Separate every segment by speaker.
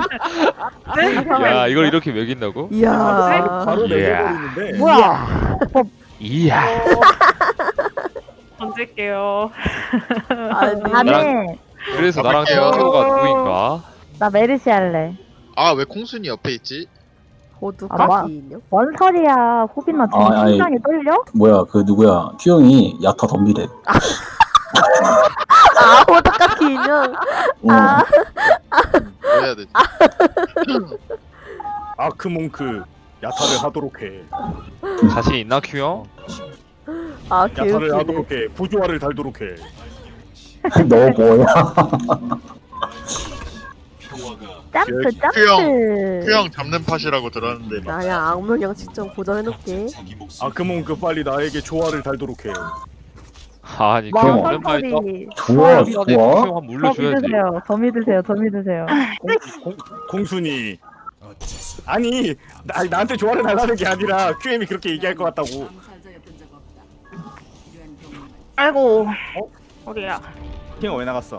Speaker 1: 야 이걸 이렇게 매긴다고?
Speaker 2: 이야.
Speaker 3: 바로
Speaker 1: 이야.
Speaker 3: 내려버리는데.
Speaker 4: 뭐야?
Speaker 1: 이야.
Speaker 5: 던질게요.
Speaker 2: 아니.
Speaker 4: 나는
Speaker 1: 그래서 나랑
Speaker 6: 가볼게요.
Speaker 1: 친구가 누구인가?
Speaker 4: 나 메르시 할래.
Speaker 6: 아 왜 콩순이 옆에 있지?
Speaker 2: 호두까기 인형.
Speaker 4: 뭔 소리야? 호빈아 지금
Speaker 7: 아니.
Speaker 4: 심장이 떨려?
Speaker 7: 뭐야 그 누구야 큐형이 야타 덤비래.
Speaker 2: 아 호두까기 인형.
Speaker 7: 어.
Speaker 6: 뭐 해야 되지?
Speaker 3: 아크몽크 야타를 하도록 해.
Speaker 1: 자신 있나 큐형?
Speaker 2: 아
Speaker 3: 야타를
Speaker 2: 개웃기네.
Speaker 3: 하도록 해. 부조화를 달도록 해.
Speaker 7: 너 뭐야?
Speaker 4: 점프 점프.
Speaker 6: 큐형 잡는 팟이라고 들었는데 막.
Speaker 2: 나야 악몽형 직접 고정해놓게.
Speaker 3: 아크몽크 빨리 나에게 조화를 달도록 해.
Speaker 1: 아니
Speaker 4: 와
Speaker 1: 큐형
Speaker 7: 그럼.
Speaker 1: 오랜만에 떠.
Speaker 7: 좋아
Speaker 1: 미안해
Speaker 7: 좋아.
Speaker 1: 큐형 한번
Speaker 4: 더
Speaker 1: 물려줘야지.
Speaker 4: 믿으세요. 더 믿으세요. 더 믿으세요.
Speaker 3: 공순이. 아니 나한테 조화를 달라는 게 아니라 QM이 그렇게 얘기할 것 같다고.
Speaker 5: 아이고. 어디야?
Speaker 3: 킹 왜 나갔어?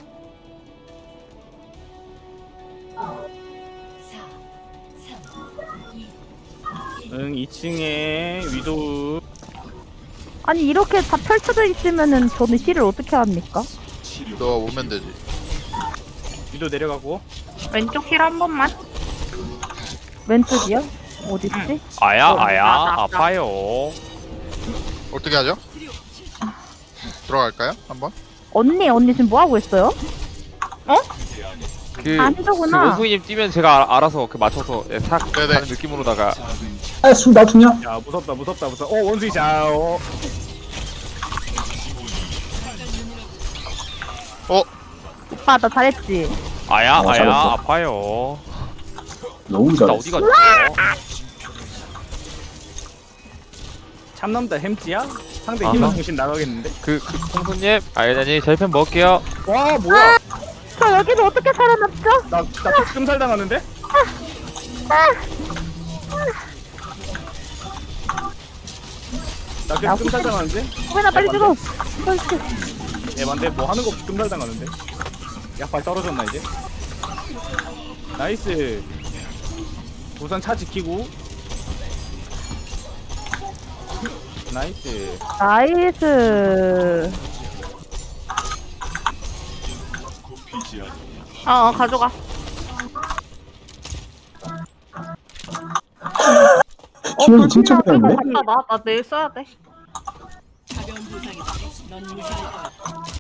Speaker 3: 응 2층에 위도우.
Speaker 4: 아니 이렇게 다 펼쳐져 있으면은 저는 힐을 어떻게 합니까?
Speaker 6: 너 오면 되지.
Speaker 3: 위도우 내려가고.
Speaker 5: 왼쪽 힐 한 번만.
Speaker 4: 왼쪽이요? 어딨지?
Speaker 1: 아야
Speaker 5: 나.
Speaker 1: 아파요.
Speaker 6: 어떻게 하죠? 들어갈까요? 한번?
Speaker 4: 언니 지금 뭐 하고 있어요?
Speaker 1: 그
Speaker 4: 아니더구나.
Speaker 1: 그 원숭이님 뛰면 제가 알아서 그 맞춰서 싹
Speaker 6: 네네.
Speaker 1: 가는 느낌으로다가.
Speaker 7: 아술 놔두냐?
Speaker 3: 야 무섭다. 원숭이 자.
Speaker 4: 오빠 나 잘했지?
Speaker 1: 아야
Speaker 7: 잘했어.
Speaker 1: 아파요.
Speaker 7: 너무
Speaker 1: 나
Speaker 7: 잘했어.
Speaker 1: 어디 갔어?
Speaker 3: 참남다 햄찌야? 상대
Speaker 1: 아하.
Speaker 3: 희망 정신 나가겠는데?
Speaker 1: 그 콩순님 아니 저희편 먹을게요.
Speaker 3: 와 뭐야?
Speaker 4: 저 여기서 어떻게 살아남죠?
Speaker 3: 나 끔살 당하는데? 나 계속 끔살 당하는데?
Speaker 4: 호빈아 빨리 죽어.
Speaker 3: 에반데 뭐 하는 거 없이 끔살 당하는데? 약발 떨어졌나 이제? 나이스. 우선 차 지키고. 나이스.
Speaker 4: 나이스.
Speaker 5: 가져가.
Speaker 7: 큐형이 진짜 잘했네.
Speaker 5: 나 내일 써야 돼.